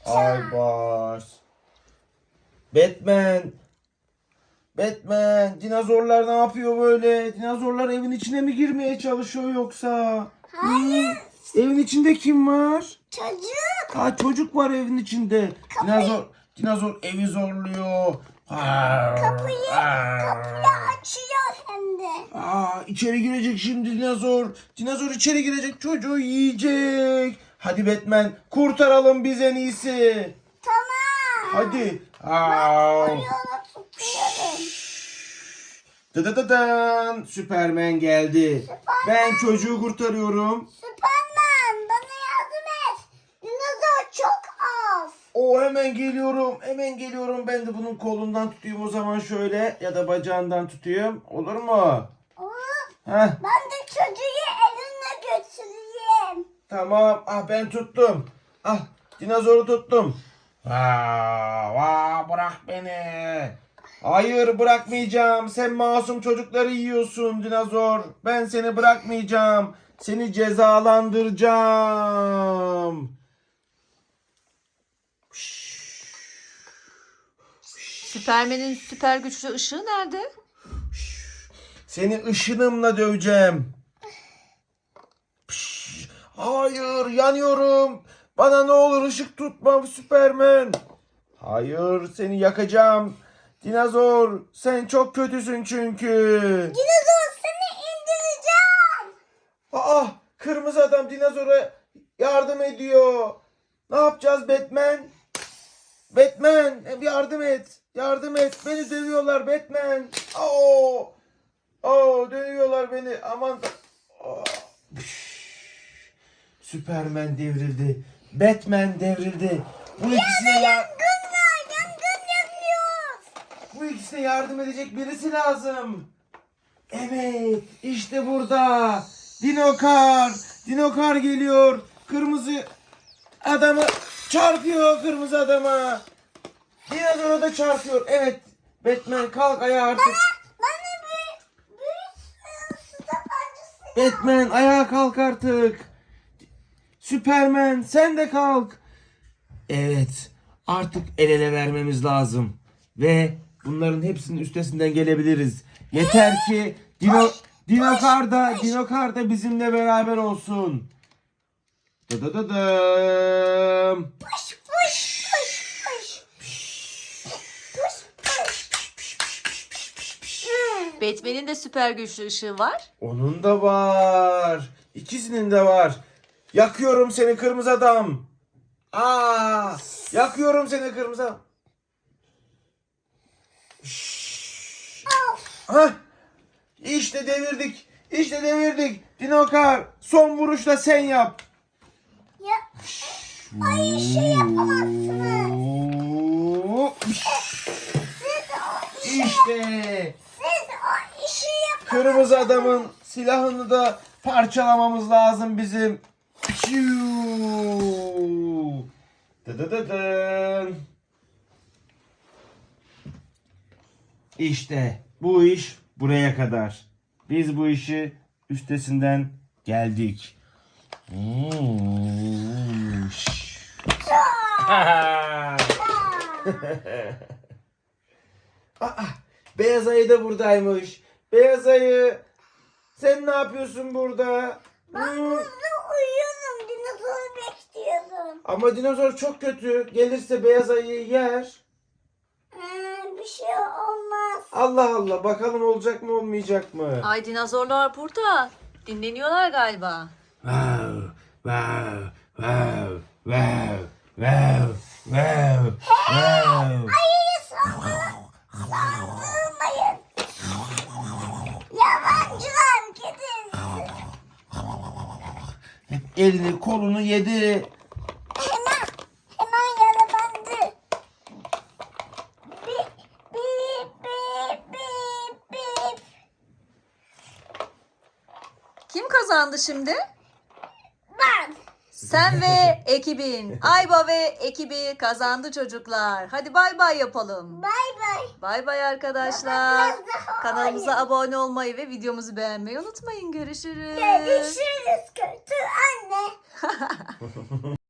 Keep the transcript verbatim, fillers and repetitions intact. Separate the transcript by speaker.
Speaker 1: Aybars. Batman. Batman. Dinozorlar ne yapıyor böyle? Dinozorlar evin içine mi girmeye çalışıyor yoksa?
Speaker 2: Hayır.
Speaker 1: Hı? Evin içinde kim var?
Speaker 2: Çocuk.
Speaker 1: Ha, çocuk var evin içinde. Dinozor, dinozor evi zorluyor.
Speaker 2: Kapıyı, kapıyı açıyor hem de.
Speaker 1: Aa, içeri girecek şimdi dinozor. Dinozor içeri girecek, çocuğu yiyecek. Hadi Batman, kurtaralım biz en iyisi.
Speaker 2: Tamam.
Speaker 1: Hadi.
Speaker 2: Onu tutuyorum.
Speaker 1: Dıdıdıdın. Süpermen geldi.
Speaker 2: Süperman.
Speaker 1: Ben çocuğu kurtarıyorum.
Speaker 2: Süperman bana yardım et. Dinozor çok az.
Speaker 1: O hemen geliyorum. Hemen geliyorum. Ben de bunun kolundan tutayım o zaman şöyle. Ya da bacağından tutayım. Olur mu?
Speaker 2: Olur.
Speaker 1: Heh.
Speaker 2: Ben de çocuğu elimle götüreyim.
Speaker 1: Tamam. Ah, ben tuttum. Ah, dinozoru tuttum. Aa, vaa, bırak beni. Hayır, bırakmayacağım. Sen masum çocukları yiyorsun dinozor. Ben seni bırakmayacağım. Seni cezalandıracağım.
Speaker 3: Süpermen'in süper güçlü ışığı nerede?
Speaker 1: Seni ışınımla döveceğim. Hayır, yanıyorum. Bana ne olur ışık tutma Süpermen. Hayır, seni yakacağım. Dinozor, sen çok kötüsün çünkü.
Speaker 2: Dinozor seni indireceğim.
Speaker 1: Aa, kırmızı adam dinozora yardım ediyor. Ne yapacağız Batman? Batman, yardım et. Yardım et. Beni dövüyorlar Batman. Oo. Oo, dövüyorlar beni. Aman. Oh. Süperman devrildi. Batman devrildi. Bu ikisine ya
Speaker 2: Yangın var. Yangın yanıyor.
Speaker 1: bu ikisine yardım edecek birisi lazım. Evet, işte burada. Dinokar. Dinokar geliyor. Kırmızı adamı çarpıyor, kırmızı adama. Dinozora da çarpıyor. Evet. Batman, kalk ayağa artık.
Speaker 2: Bana bir büyük su tabancası.
Speaker 1: Batman, ayağa kalk artık. Süpermen, sen de kalk. Evet. Artık el ele vermemiz lazım. Ve bunların hepsinin üstesinden gelebiliriz. Yeter ki Dino Dinokar da Dinokar da bizimle beraber olsun. Dıdıdıdım.
Speaker 2: Puş puş puş puş. Puş puş.
Speaker 3: Batman'in de süper güçlü ışığı var.
Speaker 1: Onun da var. İkisinin de var. Yakıyorum seni kırmızı adam. Aa, yakıyorum seni kırmızı adam. Hah. İşte devirdik. İşte devirdik. Dinokar, son vuruşla sen yap.
Speaker 2: Ya. Ay şey yapamazsınız.
Speaker 1: Oo.
Speaker 2: Siz o işi,
Speaker 1: İşte
Speaker 2: siz o işi yapamazsınız.
Speaker 1: kırmızı adamın silahını da parçalamamız lazım bizim. Piu. Dıdıdıdın. İşte bu iş buraya kadar. Biz bu işi üstesinden geldik. Hmm. Aa, Beyaz ayı da buradaymış. Beyaz ayı, sen ne yapıyorsun burada?
Speaker 2: Ben
Speaker 1: Hmm.
Speaker 2: burada uyuyorum. Dinozoru bekliyorum.
Speaker 1: Ama dinozor çok kötü. Gelirse beyaz ayıyı yer.
Speaker 2: Ee, bir şey olmaz.
Speaker 1: Allah Allah, bakalım olacak mı olmayacak mı?
Speaker 3: Ay dinozorlar burada. Dinleniyorlar galiba.
Speaker 1: Wow, wow, wow, wow, wow, wow, wow.
Speaker 2: Ayıyı saldırın. Saldırmayın. Yabancılar gidin.
Speaker 1: Hep elini kolunu yedi.
Speaker 2: Hemen, hemen yaralandı. Bip, bip, bip, bip, bip.
Speaker 3: Kim kazandı şimdi?
Speaker 2: Ben.
Speaker 3: Sen ve ekibin. Ayba ve ekibi kazandı çocuklar. Hadi bay bay yapalım.
Speaker 2: Bay bay.
Speaker 3: Bay bay arkadaşlar.
Speaker 2: Biraz daha
Speaker 3: Kanalımıza
Speaker 2: oynayalım.
Speaker 3: abone olmayı ve videomuzu beğenmeyi unutmayın. Görüşürüz.
Speaker 2: Görüşürüz kötü anne.